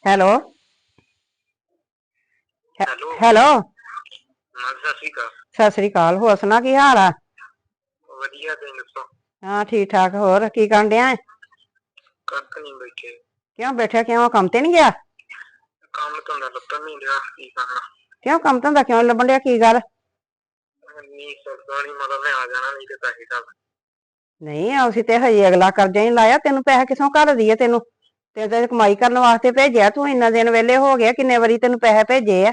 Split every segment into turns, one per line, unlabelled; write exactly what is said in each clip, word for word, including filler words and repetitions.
Hello.
Hello.
Hello.
ਹਾਂ ਸਤਿ ਸ਼੍ਰੀ ਅਕਾਲ।
ਸਤਿ ਸ੍ਰੀ ਅਕਾਲ। ਹੋਰ ਸੁਣਾ ਕੀ ਹਾਲ ਆ?
ਵਧੀਆ, ਤੁਸੀਂ ਦੱਸੋ?
ਹਾਂ ਠੀਕ ਠਾਕ। ਹੋਰ ਕੀ ਕਰਨ ਡਿਆ ਏ?
ਕੱਖ ਨੀ, ਬੈਠੇ।
ਕਿਉਂ ਬੈਠਿਆ, ਕਿਉਂ ਕੰਮ ਤੇ ਨੀ ਗਿਆ?
ਕੰਮ ਧੰਦਾ ਲੱਭਣ ਨੀ ਡਿਆ, ਕੀ ਕਰਨਾ।
ਕਿਉਂ ਕੰਮ ਧੰਦਾ ਕਿਉਂ ਨੀ ਲੱਭਣ ਡਿਆ, ਕੀ ਗੱਲ?
ਨਹੀਂ ਸਰਦਾ ਨੀ, ਮਤਲਬ ਮੈਂ ਆ ਜਾਣਾ ਨਹੀਂ ਤੇ ਪੈਸੇ ਘੱਲ।
ਨਹੀਂ ਅਸੀਂ ਤੇ ਹਜੇ ਅਗਲਾ ਕਰਜ਼ਾ ਨੀ ਲਾਇਆ, ਤੈਨੂੰ ਪੈਸੇ ਕਿੱਥੋਂ ਘੱਲ ਦਈਏ ਤੈਨੂੰ। ਤੇ ਤੇ ਕਮਾਈ ਕਰਨ ਵਾਸਤੇ ਭੇਜਿਆ, ਤੂੰ ਇੰਨਾ ਦਿਨ ਵੇਹਲੇ ਹੋ ਗਏ, ਕਿੰਨੇ ਵਾਰੀ ਤੈਨੂੰ ਪੈਸੇ ਭੇਜੇ ਆ।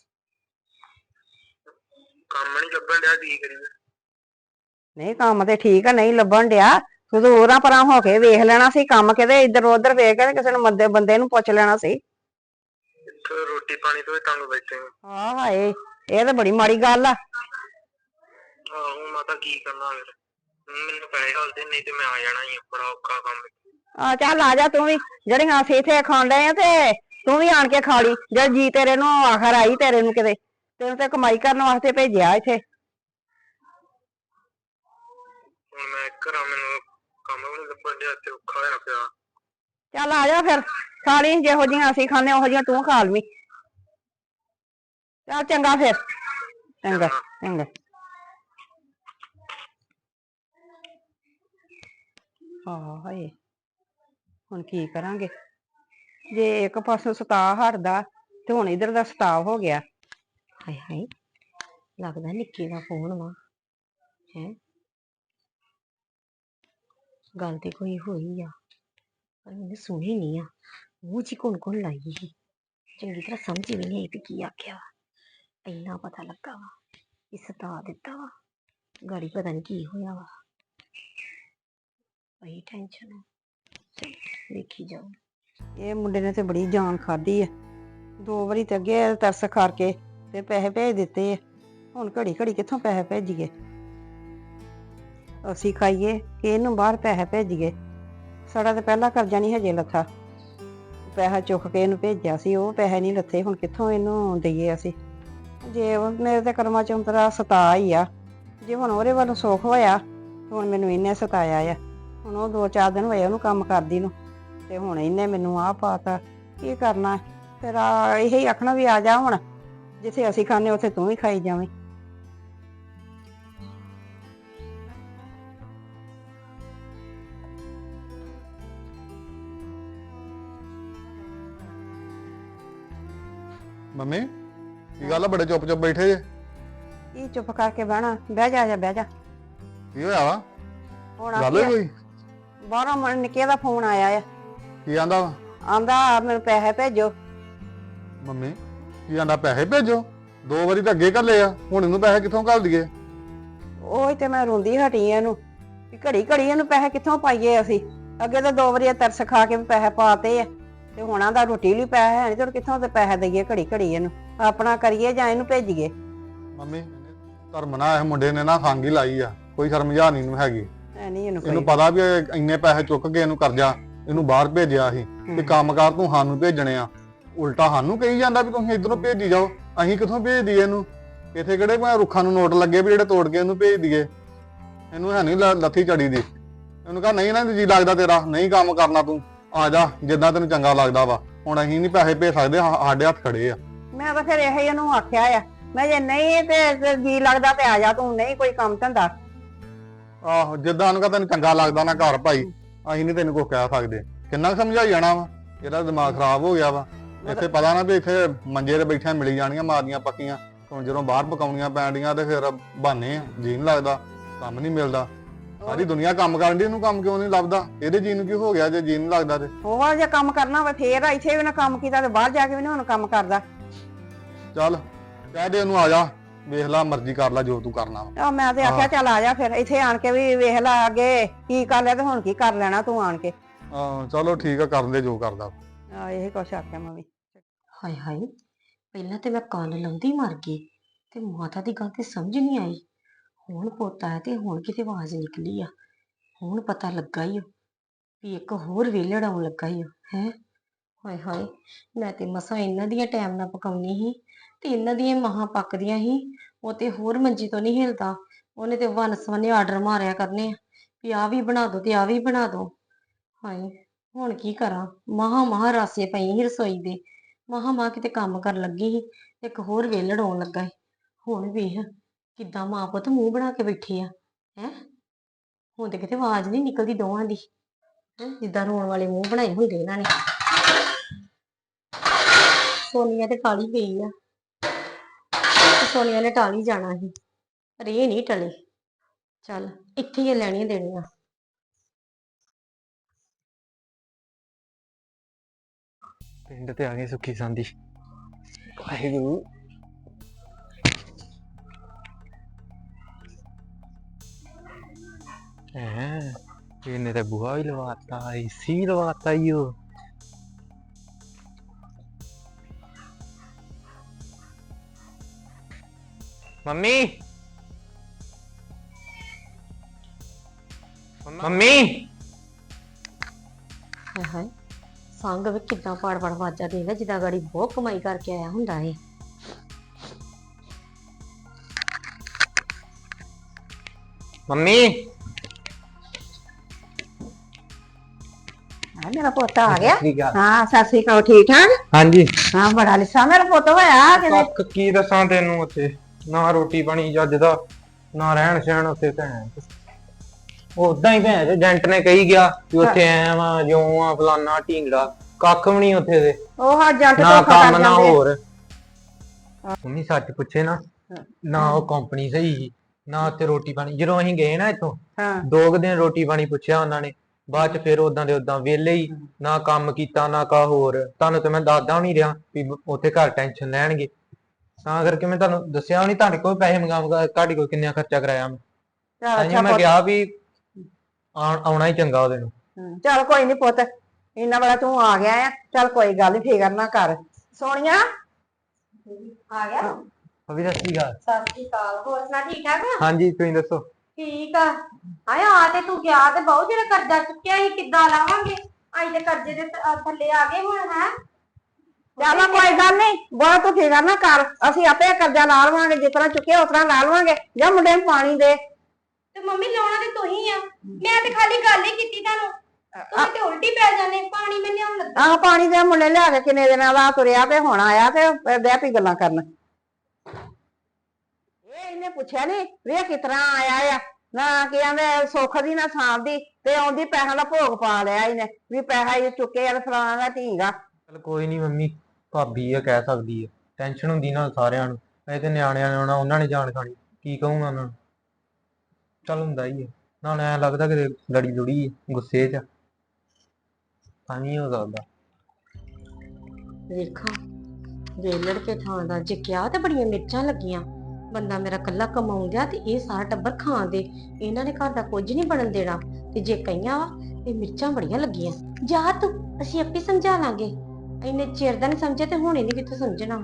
ਕੰਮ ਨੀ ਲੱਭਣ ਡਿਆ, ਕੀ ਕਰੀਏ।
ਨਹੀਂ ਕੰਮ ਤੇ ਠੀਕ ਆ, ਨਹੀਂ ਲੱਭਣ ਡਿਆ। ਤੂੰ ਤੇ ਉਰਾਂ ਪਰਾਂ ਹੋ ਕੇ ਵੇਖ ਲੈਣਾ ਸੀ ਕੰਮ, ਕਿਤੇ ਇੱਧਰ ਉਧਰ ਵੇਖ ਕੇ ਕਿਸੇ ਨੂੰ ਮੰਦੇ ਬੰਦੇ ਨੂੰ ਪੁੱਛ ਲੈਣਾ ਸੀ।
ਇੱਥੇ ਰੋਟੀ ਪਾਣੀ ਤੋਂ ਵੀ ਤੰਗ ਬੈਠੇ ਆ।
ਹਾਂ ਹਾਏ, ਇਹ ਤੇ ਬੜੀ ਮਾੜੀ ਗੱਲ ਆ।
ਆਹੋ ਮਾਤਾ ਕੀ ਕਰਨਾ ਫਿਰ, ਮੈਨੂੰ ਪੈਸੇ ਘੱਲਦੇ, ਨਹੀਂ ਤੇ ਮੈਂ ਆ ਜਾਣਾ ਸੀ, ਬੜਾ ਔਖਾ ਕੰਮ।
ਆਹ ਚੱਲ ਆ ਜਾ ਤੂੰ ਵੀ, ਜਿਹੜੀਆਂ ਅਸੀਂ ਇੱਥੇ ਖਾਣ ਡਏ ਆ ਤੇ ਤੂੰ ਵੀ ਆਣ ਕੇ ਖਾ ਲਈ, ਜਦ ਜੀ ਤੇਰੇ ਨੂੰ ਆਖਰ ਆਈ ਤੇਰੇ ਨੂੰ ਕਿਤੇ, ਤੈਨੂੰ ਤੇ ਕਮਾਈ ਕਰਨ ਵਾਸਤੇ ਭੇਜਿਆ ਇੱਥੇ।
ਹੁਣ ਮੈਂ ਘਰਾਂ, ਮੈਨੂੰ ਕੰਮ ਵੀ ਨੀ ਲੱਭਣ ਡਿਆ, ਤੇ ਔਖਾ ਹੋਇਆ ਪਿਆ।
ਚੱਲ ਆ ਜਾ ਫਿਰ, ਖਾ ਲਈ ਜਿਹੋ ਜਿਹੀਆਂ ਅਸੀਂ ਖਾਂਦੇ ਉਹੋ ਜਿਹੀਆਂ ਤੂੰ ਖਾ ਲਵੀਂ। ਚੱਲ ਚੰਗਾ ਫਿਰ, ਚੰਗਾ
ਚੰਗਾ।
ਚੰਗਾ। ਹਾਂ ਹਾਏ, ਹੁਣ ਕੀ ਕਰਾਂਗੇ। ਜੇ ਇੱਕ ਪਾਸੋਂ ਸਤਾਅ ਹਟਦਾ, ਤੇ ਹੁਣ ਇੱਧਰ ਦਾ ਸਤਾਅ ਹੋ ਗਿਆ।
ਹਾਏ ਹਾਏ, ਲੱਗਦਾ ਨਿੱਕੀ ਦਾ ਫੋਨ ਵਾ। ਹੈਂ, ਗੱਲ ਤੇ ਕੋਈ ਹੋਈ ਆ, ਪਰ ਮੈਨੇ ਸੁਣੀ ਨੀ ਆ, ਮੂੰਹ ਚ ਘੁਣ ਘੁਣ ਲਾਈ ਸੀ, ਚੰਗੀ ਤਰ੍ਹਾਂ ਸਮਝ ਵੀ ਨਹੀਂ ਆਈ ਵੀ ਕੀ ਆਖਿਆ ਵਾ। ਇੰਨਾ ਪਤਾ ਲੱਗਾ ਵਾ ਕਿ ਸਤਾ ਦਿੱਤਾ ਵਾ, ਗਾੜੀ ਪਤਾ ਨੀ ਕੀ ਹੋਇਆ ਵਾ। ਬੜੀ ਟੈਨਸ਼ਨ ਆ, ਵੇਖੀ ਜਾਓ।
ਇਹ ਮੁੰਡੇ ਨੇ ਤੇ ਬੜੀ ਜਾਨ ਖਾਧੀ ਆ, ਦੋ ਵਾਰੀ ਤੇ ਅੱਗੇ ਤਰਸ ਖਾ ਕੇ ਤੇ ਪੈਸੇ ਭੇਜ ਦਿੱਤੇ ਆ, ਹੁਣ ਘੜੀ ਘੜੀ ਕਿੱਥੋਂ ਪੈਸੇ ਭੇਜੀਏ। ਅਸੀਂ ਖਾਈਏ ਕਿ ਇਹਨੂੰ ਬਾਹਰ ਪੈਸੇ ਭੇਜੀਏ। ਸਾਡਾ ਤਾਂ ਪਹਿਲਾ ਕਰਜ਼ਾ ਨਹੀਂ ਹਜੇ ਲੱਥਾ, ਪੈਸਾ ਚੁੱਕ ਕੇ ਇਹਨੂੰ ਭੇਜਿਆ ਸੀ, ਉਹ ਪੈਸੇ ਨਹੀਂ ਲੱਥੇ, ਹੁਣ ਕਿੱਥੋਂ ਇਹਨੂੰ ਦਈਏ ਅਸੀਂ। ਜੇ ਮੇਰੇ ਤੇ ਕਰਮਾਂ ਚ ਉਂਤਰਾ ਸਤਾ ਹੀ ਆ, ਜੇ ਹੁਣ ਉਹਦੇ ਵੱਲੋਂ ਸੁੱਖ ਹੋਇਆ, ਹੁਣ ਮੈਨੂੰ ਇਹਨੇ ਸਤਾਇਆ ਆ। ਹੁਣ ਉਹ ਦੋ ਚਾਰ ਦਿਨ ਹੋਏ ਉਹਨੂੰ ਕੰਮ ਕਰਦੀ ਨੂੰ, ਤੇ ਹੁਣ ਇਹਨੇ ਮੈਨੂੰ ਆਹ ਪਾਤਾ, ਕੀ ਕਰਨਾ ਫਿਰ। ਆ ਇਹੀ ਆਖਣਾ ਵੀ ਆ ਜਾ ਹੁਣ, ਜਿੱਥੇ ਅਸੀਂ ਖਾਂਦੇ ਉੱਥੇ ਤੂੰ ਵੀ ਖਾਈ ਜਾਵੇਂ।
ਮੰਮੀ ਕੀ ਗੱਲ ਆ, ਬੜੇ ਚੁੱਪ ਚੁੱਪ ਬੈਠੇ ਜੇ?
ਕੀ ਚੁੱਪ ਕਰਕੇ ਬਹਿਣਾ, ਬਹਿ ਜਾ ਜਾ ਬਹਿ ਜਾ।
ਕੀ ਹੋਇਆ ਵਾ?
ਹੁਣ
ਗੱਲ ਹੋਈ ਕੋਈ?
ਬਾਹਰੋਂ ਮੁੰਡੇ ਨਿੱਕੇ ਦਾ ਫੋਨ ਆਇਆ ਆ,
ਕੀ ਆਂਦਾ ਵਾ?
ਆਂਦਾ ਮੈਨੂੰ ਪੈਸੇ ਭੇਜੋ।
ਮੰਮੀ ਕੀ ਆਂਦਾ, ਪੈਸੇ ਭੇਜੋ? ਦੋ ਵਾਰੀ ਤਾਂ ਅੱਗੇ ਘੱਲੇ ਆ, ਹੁਣ ਇਹਨੂੰ ਪੈਸੇ ਕਿੱਥੋਂ ਘੱਲ ਦਈਏ?
ਉਹੀ ਤੇ ਮੈਂ ਰੋਂਦੀ ਹਟੀ ਇਹਨੂੰ, ਵੀ ਘੜੀ ਘੜੀ ਇਹਨੂੰ ਪੈਸੇ ਕਿੱਥੋਂ ਪਾਈਏ ਅਸੀਂ। ਅੱਗੇ ਤਾਂ ਦੋ ਵਾਰੀ ਤਰਸ ਖਾ ਕੇ ਵੀ ਪੈਸੇ ਪਾਤੇ ਆ, ਤੇ ਹੁਣ ਆਂਦਾ ਰੋਟੀ ਲਈ ਪੈਸੇ ਹੈ ਨੀ, ਤੇ ਕਿੱਥੋਂ ਤੇ ਪੈਸੇ ਦਈਏ ਘੜੀ ਘੜੀ ਇਹਨੂੰ, ਆਪਣਾ ਕਰੀਏ ਜਾਂ ਇਹਨੂੰ ਭੇਜੀਏ।
ਮੰਮੀ ਧਰਮ ਨਾਲ ਇਹ ਮੁੰਡੇ ਨੇ ਨਾ ਖੰਗ ਹੀ ਲਾਈ ਆ, ਕੋਈ ਸ਼ਰਮਝਾ ਨਹੀਂ ਇਹਨੂੰ ਹੈਗੀ।
ਐ ਨਹੀਂ ਇਹਨੂੰ
ਇਹਨੂੰ
ਕੋਈ
ਪਤਾ ਵੀ ਇਹ ਇੰਨੇ ਪੈਸੇ ਚੁੱਕ ਕੇ ਇਹਨੂੰ ਕਰਜ਼ਾ, ਇਹਨੂੰ ਬਾਹਰ ਭੇਜਿਆ ਸੀ ਤੇ ਕੰਮਕਾਰ ਤੂੰ ਸਾਨੂੰ ਭੇਜਣੇ ਆ, ਉਲਟਾ ਸਾਨੂੰ ਕਹੀ ਜਾਂਦਾ ਵੀ ਤੁਸੀਂ ਇਧਰੋਂ ਭੇਜੀ ਜਾਓ। ਅਸੀਂ ਕਿੱਥੋਂ ਭੇਜ ਦਈਏ ਇਹਨੂੰ? ਇੱਥੇ ਕਿਹੜੇ ਭਾਵੇਂ ਰੁੱਖਾਂ ਨੂੰ ਨੋਟ ਲੱਗੇ ਵੀ ਜਿਹੜੇ ਤੋੜ ਕੇ ਇਹਨੂੰ ਭੇਜ ਦਈਏ? ਇਹਨੂੰ ਹੈ ਨਹੀਂ ਲੱਥੀ ਚੜੀ ਦੀ। ਇਹਨੂੰ ਕਹਾ ਨਹੀਂ ਨਾ ਜੀ ਲੱਗਦਾ ਤੇਰਾ, ਨਹੀਂ ਕੰਮ ਕਰਨਾ, ਤੂੰ ਆ ਜਾ ਜਿੱਦਾਂ ਤੈਨੂੰ ਚੰਗਾ ਲੱਗਦਾ ਵਾ। ਹੁਣ ਅਸੀਂ ਨਹੀਂ ਪੈਸੇ ਭੇਜ ਸਕਦੇ, ਸਾਡੇ ਹੱਥ ਖੜੇ ਆ।
ਮੈਂ ਤਾਂ ਫਿਰ ਇਹੀ ਇਹਨੂੰ ਆਖਿਆ ਆ, ਮੈਂ ਜੇ ਨਹੀਂ ਤੇ ਜੀ ਲੱਗਦਾ ਤੇ ਆ ਜਾ, ਤੂੰ ਨਹੀਂ ਕੋਈ ਕੰਮ ਧੰਦਾ।
ਆਹੋ ਜਿੱਦਾਂ ਉਹਨੂੰ ਕਹ ਤੈਨੂੰ ਚੰਗਾ ਲੱਗਦਾ ਨਾ ਘਰ ਭਾਈ, ਅਸੀਂ ਨਹੀਂ ਤੈਨੂੰ ਕੁਛ ਕਹਿ ਸਕਦੇ। ਕਿੰਨਾ ਕੁ ਸਮਝਾਈ ਜਾਣਾ ਵਾ, ਇਹਦਾ ਦਿਮਾਗ ਖਰਾਬ ਹੋ ਗਿਆ ਵਾ। ਇੱਥੇ ਪਤਾ ਨਾ ਵੀ ਇੱਥੇ ਮੰਜੇ ਤੇ ਬੈਠਿਆਂ ਮਿਲੀ ਜਾਣੀਆਂ ਮਾਰੀਆਂ ਪੱਕੀਆਂ, ਹੁਣ ਜਦੋਂ ਬਾਹਰ ਪਕਾਉਣੀਆਂ ਪੈਣੀਆਂ ਤੇ ਫਿਰ ਬਹਾਨੇ ਆ, ਜੀ ਨੀ ਲੱਗਦਾ, ਕੰਮ ਨਹੀਂ ਮਿਲਦਾ। ਸਾਰੀ ਦੁਨੀਆ ਕੰਮ ਕਰਨ ਦੀ, ਇਹਨੂੰ ਕੰਮ ਕਿਉਂ ਨਹੀਂ ਲੱਭਦਾ? ਇਹਦੇ ਜੀ ਨੂੰ ਕੀ ਹੋ ਗਿਆ ਜੇ ਜੀ ਨਹੀਂ ਲੱਗਦਾ ਤੇ?
ਹੋਰ ਜੇ ਕੰਮ ਕਰਨਾ ਵਾ ਫੇਰ ਇੱਥੇ ਵੀ ਨਾ ਕੰਮ ਕੀਤਾ ਤੇ ਬਾਹਰ ਜਾ ਕੇ ਵੀ ਨਾ ਹੁਣ ਕੰਮ ਕਰਦਾ।
ਚੱਲ ਕਹਿ ਦੇ ਉਹਨੂੰ ਆ ਜਾ, ਵੇਖ ਲੈ ਮਰਜ਼ੀ ਕਰ ਲੈ ਜੋ ਤੂੰ ਕਰਨਾ ਵਾ।
ਆ ਮੈਂ ਤੇ ਆਖਿਆ ਚੱਲ ਆ ਜਾ ਫਿਰ, ਇੱਥੇ ਆਣ ਕੇ ਵੀ ਵੇਖ ਲੈ ਅੱਗੇ ਕੀ ਕਰ ਲਿਆ ਤੇ ਹੁਣ ਕੀ ਕਰ ਲੈਣਾ ਤੂੰ ਆਣ ਕੇ।
ਹਾਂ ਚਲੋ ਠੀਕ ਆ, ਕਰਨ ਦੇ ਜੋ ਕਰਦਾ।
ਆ ਇਹੀ ਕੁਛ ਆਖਿਆ ਮੈਂ ਵੀ।
ਹਾਏ ਹਾਏ, ਪਹਿਲਾਂ ਤੇ ਮੈਂ ਕੰਨ ਲਾਉਂਦੀ ਮਰ ਗਈ, ਤੇ ਮਾਤਾ ਦੀ ਗੱਲ ਤੇ ਸਮਝ ਨਹੀਂ ਆਈ। ਹੁਣ ਪੁੱਤ ਆਇਆ ਤੇ ਹੁਣ ਕਿਤੇ ਆਵਾਜ਼ ਨਿਕਲੀ ਆ, ਹੁਣ ਪਤਾ ਲੱਗਾ ਈ ਵੀ ਇੱਕ ਹੋਰ ਵਿਹਲੜ ਆਉਣ ਲੱਗਾ ਈ ਹੈ। ਹਾਏ ਹਾਏ, ਮੈਂ ਤੇ ਮਸਾਂ ਇਹਨਾਂ ਦੀਆਂ ਟਾਈਮ ਨਾਲ ਪਕਾਉਣੀ ਸੀ, ਤੇ ਇਹਨਾਂ ਦੀਆਂ ਮਹਾਂ ਪੱਕਦੀਆਂ ਸੀ। ਉਹ ਤੇ ਹੋਰ ਮੰਜੀ ਤੋਂ ਨਹੀਂ ਹਿਲਦਾ, ਉਹਨੇ ਤੇ ਵੰਨ ਸਵੰਨੇ ਆਰਡਰ ਮਾਰਿਆ ਕਰਨੇ ਆ ਵੀ ਆਹ ਵੀ ਬਣਾ ਦੋ ਤੇ ਆਹ ਵੀ ਬਣਾ ਦੋ। ਹਾਏ ਹੁਣ ਕੀ ਕਰਾਂ, ਮਹਾ ਮਹਾ ਰਾਸੇ ਪਈ ਸੀ ਰਸੋਈ ਦੇ, ਮਹਾ ਮਹਾ ਕਿਤੇ ਕੰਮ ਕਰਨ ਲੱਗੀ ਸੀ, ਇੱਕ ਹੋਰ ਵੇਲੜ ਆਉਣ ਲੱਗਾ ਸੀ। ਹੁਣ ਵੇਖ ਕਿੱਦਾਂ ਮਾਂ ਪੁੱਤ ਮੂੰਹ ਬਣਾ ਕੇ ਬੈਠੇ ਆ ਹੈ। ਹੁਣ ਤੇ ਕਿਤੇ ਆਵਾਜ਼ ਨਹੀਂ ਨਿਕਲਦੀ ਦੋਵਾਂ ਦੀ, ਹੈਂ, ਜਿੱਦਾਂ ਰੋਣ ਵਾਲੇ ਮੂੰਹ ਬਣਾਏ ਹੁੰਦੇ ਇਹਨਾਂ ਨੇ। ਸੋਨੀਆ ਤੇ ਟਾਲੀ ਗਈ ਆ, ਤੇ ਸੋਨੀਆ ਨੇ ਟਾਲੀ ਜਾਣਾ ਸੀ, ਪਰ ਇਹ ਨਹੀਂ ਟਲੇ। ਚੱਲ ਇੱਥੇ ਹੀ ਲੈਣੀਆਂ ਦੇਣੀਆਂ।
ਪਿੰਡ ਤੇ ਆ ਗਏ ਸੁੱਖੀ ਸਾਂਦੀ। ਵਾਹਿਗੁਰੂ। ਹੈ ਇਹਨੇ ਤਾਂ ਬੂਹਾ ਵੀ ਲਵਾਤਾ, ਏਸੀ ਵੀ ਲਵਾਤਾ ਈ ਓ। ਮੰਮੀ ਮੰਮੀ
ਹਾਏ ਹਾਏ, ਸੰਗ ਵੀ ਕਿੱਦਾਂ ਪਾੜ ਪਾੜ ਵਾਜਾ ਦੇਗਾ, ਜਿੱਦਾਂ ਗਾੜੀ ਬਹੁਤ ਕਮਾਈ ਕਰਕੇ ਆਇਆ ਹੁੰਦਾ ਏ।
ਮੰਮੀ
ਆ ਮੇਰਾ ਪੁੱਤ ਆ ਗਿਆ।
ਠੀਕ ਆ।
ਹਾਂ ਸਤਿ ਸ੍ਰੀ ਅਕਾਲ, ਠੀਕ ਠਾਕ?
ਹਾਂਜੀ।
ਹਾਂ ਬੜਾ ਲਿਸਾ ਮੇਰਾ ਪੁੱਤ ਹੋਇਆ ਕਿਤੇ।
ਕੱਖ ਕੀ ਦੱਸਾਂ ਤੈਨੂੰ, ਉੱਥੇ ਨਾ ਰੋਟੀ ਪਾਣੀ ਚੱਜ ਦਾ, ਨਾ ਰਹਿਣ ਸਹਿਣ ਉੱਥੇ ਭੈਣ। ਉਦਾਂ ਹੀ ਭੈਣ ਏਜੰਟ ਨੇ ਕਹੀ ਗਿਆ ਕਿ ਉੱਥੇ ਐ ਵਾ ਜਿਉਂ ਆ ਫਲਾਨਾ ਢੀਂਗੜਾ, ਕੱਖ ਵੀ ਨਹੀਂ ਉੱਥੇ ਦੇ।
ਉਹ ਹਾਂ ਜੱਟ
ਨਾ
ਧੋਖਾ
ਕੰਮ
ਕਰ
ਨਾ
ਜਾਂਦੇ।
ਹੋਰ। ਮੰਮੀ ਸੱਚ ਪੁੱਛੇ ਨਾ, ਨਾ ਉਹ ਕੰਪਨੀ ਸਹੀ ਸੀ, ਨਾ ਉੱਥੇ ਰੋਟੀ ਪਾਣੀ। ਜਦੋਂ ਅਸੀਂ ਗਏ ਨਾ ਇੱਥੋਂ,
ਹਾਂ
ਦੋ ਕੁ ਦਿਨ ਰੋਟੀ ਪਾਣੀ ਪੁੱਛਿਆ ਉਹਨਾਂ ਨੇ, ਬਾਅਦ ਚ ਫਿਰ ਉਦਾਂ ਦੇ ਉਦਾਂ ਵਿਹਲੇ ਹੀ, ਨਾ ਕੰਮ ਕੀਤਾ ਨਾ ਕਾ ਹੋਰ। ਤੁਹਾਨੂੰ ਤੇ ਮੈਂ ਦੱਸਦਾ ਨਹੀਂ ਰਿਹਾ ਵੀ ਉੱਥੇ ਘਰ ਟੈਨਸ਼ਨ ਲੈਣਗੇ, ਤਾਂ ਕਰਕੇ ਮੈਂ ਤੁਹਾਨੂੰ ਦੱਸਿਆ ਨਹੀਂ। ਤੁਹਾਡੇ ਕੋਲ ਪੈਸੇ ਮੰਗਾ ਮੰਗਾ ਤੁਹਾਡੇ ਕੋਲ ਕਿੰਨਾ ਖਰਚਾ ਕਰਾਇਆ ਮੈਂ,
ਚੱਲ
ਤਾਂ
ਅੱਛਾ
ਮੈਂ
ਪੁੱਤ।
ਕਿਹਾ ਵੀ ਆਉਣ- ਆਉਣਾ ਹੀ ਚੰਗਾ ਉਹਦੇ ਨੂੰ।
ਹਮ, ਚੱਲ ਕੋਈ ਨੀ ਪੁੱਤ, ਇੰਨਾ ਬੜਾ ਤੂੰ ਆ ਗਿਆ ਆ। ਚੱਲ ਕੋਈ ਗੱਲ ਨੀ, ਫਿਕਰ ਨਾ ਕਰ। ਸੋਨੀਆ ਆ ਗਿਆ।
ਅਭੀ ਸਤਿ ਸ਼੍ਰੀ ਅਕਾਲ।
ਸਤਿ ਸ਼੍ਰੀ ਅਕਾਲ, ਹੋਰ ਸੁਣਾ ਠੀਕ ਠਾਕ ਆ?
ਹਾਂਜੀ ਤੁਸੀਂ ਦੱਸੋ।
ਠੀਕ ਆ। ਹਾਏ ਆ ਤੇ ਤੂੰ ਗਿਆ ਤੇ ਬਹੁਤ ਜਿਹੜਾ ਕਰਜ਼ਾ ਚੁੱਕਿਆ ਸੀ, ਕਿੱਦਾਂ ਲਾਵਾਂਗੇ? ਅਸੀਂ ਤੇ ਕਰਜ਼ੇ ਦੇ th- ਥੱਲੇ ਆ ਗਏ ਹੁਣ ਹੈ।
ਚੱਲ ਕੋਈ ਗੱਲ ਨੀ, ਬਹੁਤ ਤੂੰ ਫਿਕਰ ਨਾ ਕਰ। ਅਸੀਂ ਆਪੇ ਕਰਜ਼ਾ ਲਾ ਲਵਾਂਗੇ, ਜਿਸ ਤਰ੍ਹਾਂ ਚੁੱਕਿਆ ਉਸ ਤਰ੍ਹਾਂ ਲਾ ਲਵਾਂਗੇ। ਜਾਂ ਮੁੰਡੇ ਨੂੰ ਪਾਣੀ ਦੇ।
ਤੇ ਮੰਮੀ ਲਾਉਣਾ ਤੇ ਤੁਸੀਂ ਆ, ਮੈਂ ਤੇ ਖਾਲੀ ਗੱਲ ਹੀ ਕੀਤੀ ਤੁਹਾਨੂੰ, ਤੁਸੀਂ ਤੇ ਉਲਟੀ ਪੈ ਜਾਂਦੇ। ਪਾਣੀ ਮੈਂ ਲਿਆਉਣ ਲੱਗਾ।
ਆਹ ਪਾਣੀ ਦੇ ਮੁੰਡੇ ਲਿਆ ਕੇ ਕਿੰਨੇ ਦਿਨਾਂ ਦਾ ਤੁਰਿਆ ਤੇ ਹੁਣ ਆਇਆ ਤੇ ਬਹਿ ਪਈ ਗੱਲਾਂ ਕਰਨ। ਇਹ ਇਹਨੇ ਪੁੱਛਿਆ ਨੀ ਵੀ ਇਹ ਕਿਸ ਤਰ੍ਹਾਂ ਆਇਆ ਆ, ਨਾ ਕੀ ਕਹਿੰਦੇ ਸੁੱਖ ਦੀ ਨਾ ਸਾਂਭ ਦੀ, ਤੇ ਆਉਂਦੀ ਪੈਸਿਆਂ ਦਾ ਭੋਗ ਪਾ ਲਿਆ ਇਹਨੇ ਵੀ ਪੈਸਾ ਇਹ ਚੁੱਕੇ ਆ ਫਲਾਣਾ ਦਾ ਢੀਂਗਾ।
ਚਲ ਕੋਈ ਨਹੀਂ ਮੰਮੀ, ਭਾਬੀ ਆ ਕਹਿ ਸਕਦੀ ਆ, ਟੈਨਸ਼ਨ ਹੁੰਦੀ ਨਾਲ ਸਾਰਿਆਂ ਨੂੰ। ਇਹ ਤੇ ਨਿਆਣਿਆਂ ਨੇ ਆਉਣਾ, ਉਹਨਾਂ ਨੇ ਜਾਣ ਖਾਣੀ, ਕੀ ਕਹੂੰਗਾ ਉਹਨਾਂ ਨੂੰ। ਚੱਲ ਹੁੰਦਾ ਹੀ ਹੈ, ਨਾਲ ਐਂ ਲੱਗਦਾ ਕਿ ਲੜੀ ਲੁੜੀ ਗੁੱਸੇ 'ਚ, ਤਾਂ ਨਹੀਂ ਹੋ ਸਕਦਾ।
ਵੇਖਾਂ ਵੇਲੜ ਕੇ ਥਾਂ ਦਾ ਜੇ ਕਿਹਾ ਤੇ ਬੜੀਆਂ ਮਿਰਚਾਂ ਲੱਗੀਆਂ। ਬੰਦਾ ਮੇਰਾ ਕੱਲਾ ਕਮਾਉਣ ਗਿਆ ਤੇ ਇਹ ਸਾਰਾ ਟੱਬਰ ਖਾਣ ਦੇ, ਇਹਨਾਂ ਨੇ ਘਰ ਦਾ ਕੁਝ ਨਹੀਂ ਬਣਨ ਦੇਣਾ। ਤੇ ਜੇ ਕਈਆਂ ਵਾ ਇਹ ਮਿਰਚਾਂ ਬੜੀਆਂ ਲੱਗੀਆਂ, ਜਾ ਤੂੰ ਅਸੀਂ ਆਪੇ ਸਮਝਾ ਲਾਂਗੇ। ਇੰਨੇ ਚਿਰ ਦਾ ਨਹੀਂ ਸਮਝਿਆ ਤੇ ਹੁਣ ਇਹਨੇ ਕਿੱਥੋਂ ਸਮਝਣਾ।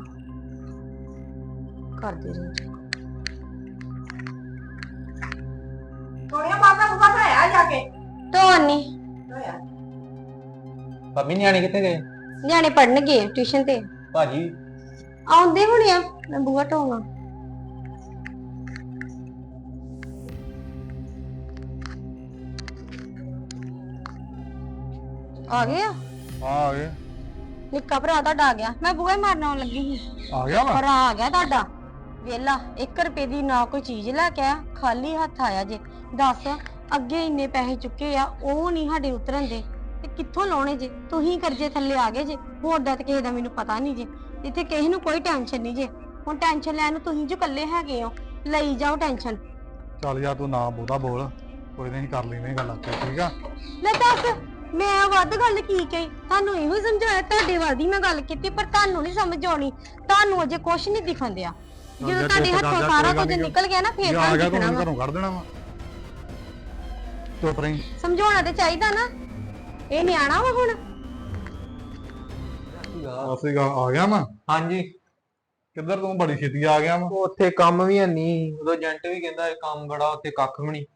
ਕਰਦੇ ਰਹੇ
ਸੋਨੀਆ ਮਾਤਾ ਬੁੱਬਾ ਖਾਇਆ ਜਾ ਕੇ।
ਧੋਨੀ
ਭਾਬੀ ਨਿਆਣੇ ਕਿੱਥੇ ਗਏ?
ਨਿਆਣੇ ਪੜਨ ਗਏ ਟਿਊਸ਼ਨ ਤੇ,
ਭਾਜੀ
ਆਉਂਦੇ ਹੋਣੇ ਆ। ਮੈਂ ਬੂਹਾ ਢੋਵਾਂ। ਆ ਗਏ ਆ?
ਹਾਂ ਆ ਗਏ।
ਨਿੱਕਾ ਭਰਾ ਤੁਹਾਡਾ ਆ ਗਿਆ, ਮੈਂ ਬੂਹੇ ਮਾਰਨ ਆਉਣ ਲੱਗੀ ਸੀ।
ਆ ਗਿਆ ਵਾ।
ਭਰਾ ਆ ਗਿਆ ਤੁਹਾਡਾ ਵੇਲਾ, ਇੱਕ ਰੁਪਏ ਦੀ ਨਾ ਕੋਈ ਚੀਜ਼ ਲੈ ਕੇ ਆਇਆ, ਖਾਲੀ ਹੱਥ ਆਇਆ ਜੇ। ਦੱਸ ਅੱਗੇ ਇੰਨੇ ਪੈਸੇ ਚੁੱਕੇ ਆ, ਉਹ ਨਹੀਂ ਸਾਡੇ ਉਤਰਨ ਦੇ ਤੇ ਕਿੱਥੋਂ ਲਾਉਣੇ ਜੇ? ਤੁਸੀਂ ਕਰਜ਼ੇ ਥੱਲੇ ਆ ਗਏ ਜੇ, ਹੋਰ ਦਾ ਤੇ ਕਿਸੇ ਦਾ ਮੈਨੂੰ ਪਤਾ ਨਹੀਂ ਜੇ। ਇੱਥੇ ਕਿਸੇ ਨੂੰ ਕੋਈ ਟੈਨਸ਼ਨ ਨਹੀਂ ਜੇ। ਹੁਣ ਟੈਨਸ਼ਨ ਲੈਣ ਨੂੰ ਤੁਸੀਂ ਜੋ ਇਕੱਲੇ ਹੈਗੇ ਹੋ, ਲਈ ਜਾਓ ਟੈਨਸ਼ਨ।
ਚੱਲ ਯਾਰ ਤੂੰ ਨਾ ਬਹੁਤਾ ਬੋਲ, ਕੋਈ ਨਹੀਂ ਕਰ ਲੈਨੇ ਗੱਲ ਆਪੇ, ਠੀਕ ਆ।
ਲੈ ਦੱਸ ਮੈਂ ਵੱਧ ਗੱਲ ਕੀ ਕਹੀ? ਤੁਹਾਨੂੰ ਇਹੋ ਹੀ ਸਮਝਾਇਆ, ਤੁਹਾਡੇ ਵੱਲ ਦੀ ਮੈਂ ਗੱਲ ਕੀਤੀ, ਪਰ ਤੁਹਾਨੂੰ ਨਹੀਂ ਸਮਝ ਆਉਣੀ। ਤੁਹਾਨੂੰ ਅਜੇ ਕੁਛ ਨਹੀਂ ਦਿਖਣ ਦਿਆ। ਜਦੋਂ ਤੁਹਾਡੇ ਹੱਥੋਂ ਸਾਰਾ ਕੁਝ ਨਿਕਲ ਗਿਆ ਨਾ, ਫੇਰ
ਆ
ਤੁਹਾਨੂੰ
ਗਿਆ ਤੂੰ
ਦਿਖਣਾ ਵਾ।
ਘਰੋਂ ਕੱਢ ਦੇਣਾ ਵਾ। ਚੁੱਪ ਰਹੀ।
ਸਮਝਾਉਣਾ ਤੇ ਚਾਹੀਦਾ ਨਾ, ਇਹ ਨਿਆਣਾ ਵਾ ਹੁਣ।
ਅਸੀਂ ਆ ਗਿਆ ਵਾ।
ਹਾਂਜੀ।
ਕਿੱਧਰ ਤੂੰ ਬੜੀ ਛੇਤੀ ਆ ਗਿਆ ਵਾ?
ਉਹ ਉੱਥੇ ਕੰਮ ਵੀ ਹੈ ਨਹੀਂ, ਉਦੋਂ ਏਜੰਟ ਵੀ ਕਹਿੰਦਾ ਇਹ ਕੰਮ ਬੜਾ, ਉੱਥੇ ਕੱਖ ਵੀ ਨਹੀਂ।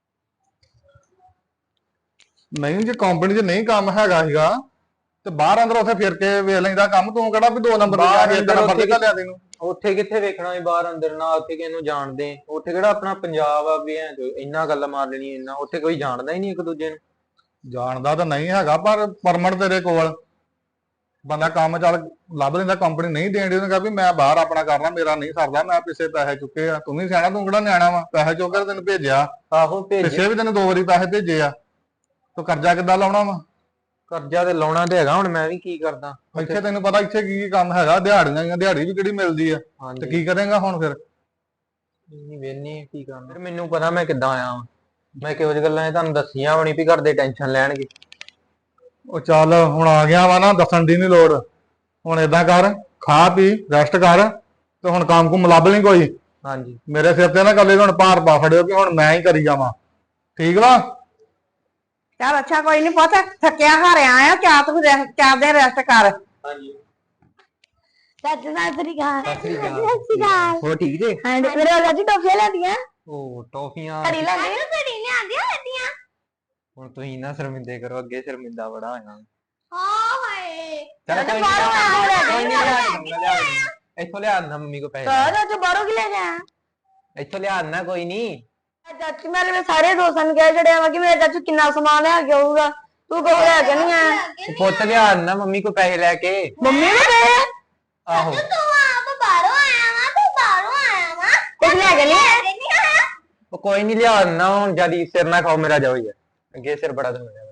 ਨਹੀਂ ਜੇ ਕੰਪਨੀ 'ਚ ਨਹੀਂ ਕੰਮ ਹੈਗਾ ਸੀਗਾ ਤੇ ਬਾਹਰ ਅੰਦਰ ਉੱਥੇ ਫਿਰ ਕੇ ਵੇਖ ਲੈਂਦਾ ਕੰਮ। ਤੂੰ ਕਿਹੜਾ ਵੀ ਦੋ ਨੰਬਰ ਤੇ ਜਾ ਕੇ ਇੱਕ ਨੰਬਰ ਤੇ ਘੱਲਿਆ ਤੈਨੂੰ?
ਉੱਥੇ ਕਿੱਥੇ ਵੇਖਣਾ ਸੀ ਬਾਹਰ ਅੰਦਰ, ਨਾ ਉੱਥੇ ਕਿਸੇ ਨੂੰ ਜਾਣਦੇ। ਉੱਥੇ ਕਿਹੜਾ ਆਪਣਾ ਪੰਜਾਬ ਆ ਵੀ ਐ ਇੰਨਾ ਗੱਲ ਮਾਰ ਲੈਣੀ ਇੰਨਾ, ਉੱਥੇ ਕੋਈ ਜਾਣਦਾ ਹੀ ਨਹੀਂ ਇੱਕ ਦੂਜੇ ਨੂੰ।
ਜਾਣਦਾ ਤਾਂ ਨਹੀਂ ਹੈਗਾ ਪਰ ਪਰਮਿਟ ਤੇਰੇ ਕੋਲ ਬੰਦਾ ਕੰਮ ਚੱਲ ਲੱਭ ਲੈਂਦਾ, ਕੰਪਨੀ ਨਹੀਂ ਦੇਣ ਦੀ, ਉਹਨੇ ਕਿਹਾ ਵੀ ਮੈਂ ਬਾਹਰ ਆਪਣਾ ਕਰਨਾ, ਮੇਰਾ ਨਹੀਂ ਸਰਦਾ, ਮੈਂ ਪਿੱਛੇ ਪੈਸੇ ਚੁੱਕੇ ਆ। ਤੂੰ ਵੀ ਸਿਆਣਾ, ਤੂੰ ਕਿਹੜਾ ਨਿਆਣਾ ਵਾ, ਪੈਸੇ ਚੁੱਕ ਕੇ ਤੈਨੂੰ ਭੇਜਿਆ,
ਆਹੋ ਭੇਜ
ਪਿੱਛੇ ਵੀ ਤੈਨੂੰ ਦੋ ਵਾਰੀ ਪੈਸੇ ਭੇਜੇ ਆ, ਤੂੰ ਕਰਜ਼ਾ ਕਿੱਦਾਂ ਲਾਉਣਾ ਵਾ?
ਕਰਜ਼ਾ ਤੇ ਲਾਉਣਾ ਤੇ ਹੈਗਾ, ਹੁਣ ਮੈਂ ਵੀ ਕੀ ਕਰਦਾ।
ਇੱਥੇ ਤੈਨੂੰ ਪਤਾ ਇੱਥੇ ਕੀ ਕੀ ਕੰਮ ਹੈਗਾ, ਦਿਹਾੜੀਆਂ ਦੀਆਂ, ਦਿਹਾੜੀ ਵੀ ਕਿਹੜੀ ਮਿਲਦੀ ਆ, ਤੇ
ਹਾਂਜੀ
ਕੀ ਕਰੇਂਗਾ ਹੁਣ ਫਿਰ?
ਨਹੀਂ ਵੇਨੀ ਕੀ ਕਰਨਾ ਫਿਰ, ਮੈਨੂੰ ਪਤਾ ਮੈਂ ਕਿੱਦਾਂ ਆਇਆ ਵਾਂ। ਮੈਂ ਕਿਹੋ ਜਿਹੀ ਗੱਲਾਂ ਇਹ ਤੁਹਾਨੂੰ ਦੱਸੀਆਂ ਹੋਣੀ ਵੀ ਘਰ ਦੇ ਟੈਨਸ਼ਨ ਲੈਣਗੇ।
ਉਹ ਚੱਲ ਹੁਣ ਆ ਗਿਆ ਵਾ ਨਾ, ਦੱਸਣ ਦੀ ਨਹੀਂ ਲੋੜ। ਹੁਣ ਏਦਾਂ ਕਰ, ਖਾ ਪੀ ਰੈਸਟ ਕਰ, ਤੇ ਹੁਣ ਕੰਮ ਕੁਮ ਲੱਭ ਲਈ ਕੋਈ।
ਹਾਂਜੀ
ਮੇਰੇ ਸਿਰ ਤੇ ਨਾ ਕੱਲੇ ਹੁਣ ਭਾਰ ਪਾ ਫੜਿਓ ਕਿ ਹੁਣ ਮੈਂ ਹੀ ਕਰੀ ਜਾਵਾਂ, ਠੀਕ ਵਾ?
ਚੱਲ ਅੱਛਾ ਕੋਈ ਨਹੀਂ ਪੁੱਤ, ਥੱਕਿਆ ਹਾਰਿਆ ਆ, ਚਾਰ ਤੂੰ ਰੈਸਟ ਚਾਰ ਦਿਨ ਰੈਸਟ ਕਰ।
ਹਾਂਜੀ
ਚਾਚੂ ਸਤਿ ਸ੍ਰੀ ਅਕਾਲ।
ਸਤਿ ਸ੍ਰੀ ਅਕਾਲ।
ਸਤਿ ਸ੍ਰੀ ਅਕਾਲ।
ਹੋਰ ਠੀਕ ਜੇ?
ਹਾਂ ਮੇਰੇ ਵਾਲਾ ਜੀ ਟੋਫੀਆਂ ਲੈਂਦੀਆਂ
ਉਹ ਟੌਫੀਆਂ
ਘੜੀ ਲੈਂਦੀਆਂ ਘੜੀ ਲਿਆਂਦੀਆਂ ਲੈਂਦੀਆਂ।
ਹੁਣ ਤੁਸੀਂ ਨਾ ਸ਼ਰਮਿੰਦੇ ਕਰੋ, ਅੱਗੇ ਸ਼ਰਮਿੰਦਾ ਬੜਾ ਹੋਇਆ।
ਹਾਂ ਹਾਏ
ਚੱਲ ਕੋਈ
ਬਾਹਰੋਂ ਆਇਆ ਲੈ
ਕੋਈ
ਕੇ
ਨਹੀਂ, ਲਿਆ ਦੂੰਗਾ, ਲਿਆ ਦੂੰਗਾ। ਇੱਥੋਂ ਲਿਆ ਦਿੰਦਾ ਮੰਮੀ ਕੋ ਪੈਸੇ,
ਤਾਂ ਚਾਚੂ ਬਾਹਰੋਂ ਕੀ ਲੈ ਗਿਆ?
ਇੱਥੋਂ ਲਿਆ ਦਿੰਦਾ ਕੋਈ ਨਹੀਂ।
ਚਾਚੂ ਮੈਂ ਮੇਰੇ ਸਾਰੇ ਦੋਸਤਾਂ ਨੂੰ ਕਹਿ ਛੜਿਆ ਵਾ ਕਿ ਮੇਰਾ ਚਾਚੂ ਕਿੰਨਾ ਸਮਾਨ ਲੈ ਕੇ ਆਊਗਾ, ਤੂੰ ਕਹੋ ਲੈ ਕੇ ਨਹੀਂ ਆਇਆ।
ਪੁੱਤ ਲਿਆ ਦਿੰਦਾ ਮੰਮੀ ਕੋ ਪੈਸੇ ਲੈ ਕੇ।
ਮੰਮੀ ਨੇ ਕਹੇ
ਆਹੋ
ਤੂੰ ਆਪ ਬਾਹਰੋਂ ਆਇਆ ਵਾ, ਤੂੰ ਬਾਹਰੋਂ ਆਇਆ ਵਾ, ਕੁਝ ਲੈ ਕੇ ਨਹੀਂ ਆਇਆ।
ਉਹ ਕੋਈ ਨਹੀਂ ਲਿਆ ਦਿੰਦਾ, ਹੁਣ ਜਿਆਦੀ ਸਿਰ ਨਾ ਖਾਓ ਮੇਰਾ, ਜਾਓ ਯਾਰ, ਅੱਗੇ ਸਿਰ ਬੜਾ ਦੁਖਦਾ ਮੇਰਾ।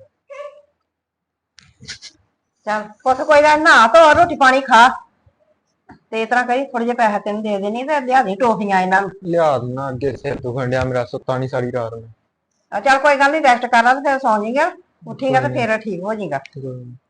ਚੱਲ ਪੁੱਤ ਕੋਈ ਗੱਲ ਨਾ, ਧੋ ਰੋਟੀ ਪਾਣੀ ਖਾ, ਤੇ ਇਸ ਤਰ੍ਹਾਂ ਕਰੀ ਥੋੜੇ ਜਿਹੇ ਪੈਸੇ ਤੈਨੂੰ ਦੇ ਦੇਣੀ ਤੇ ਲਿਆ ਦੀ ਟੋਫੀਆਂ ਇਹਨਾਂ ਨੂੰ।
ਲਿਆ ਦਿੰਦਾ, ਅੱਗੇ ਸਿਰ ਦੁਖਣ ਡਿਆ ਮੇਰਾ, ਸੁੱਤਾ ਨਹੀਂ ਸਾਰੀ ਰਾਤ ਨੂੰ।
ਆ ਚੱਲ ਕੋਈ ਗੱਲ ਨਹੀਂ, ਰੈਸਟ ਕਰ ਲਾ ਤੇ ਫਿਰ ਸੌਂ ਜਾਏਗਾ, ਉੱਠੇਗਾ ਤੇ ਫਿਰ ਠੀਕ ਹੋ ਜਾਏਗਾ।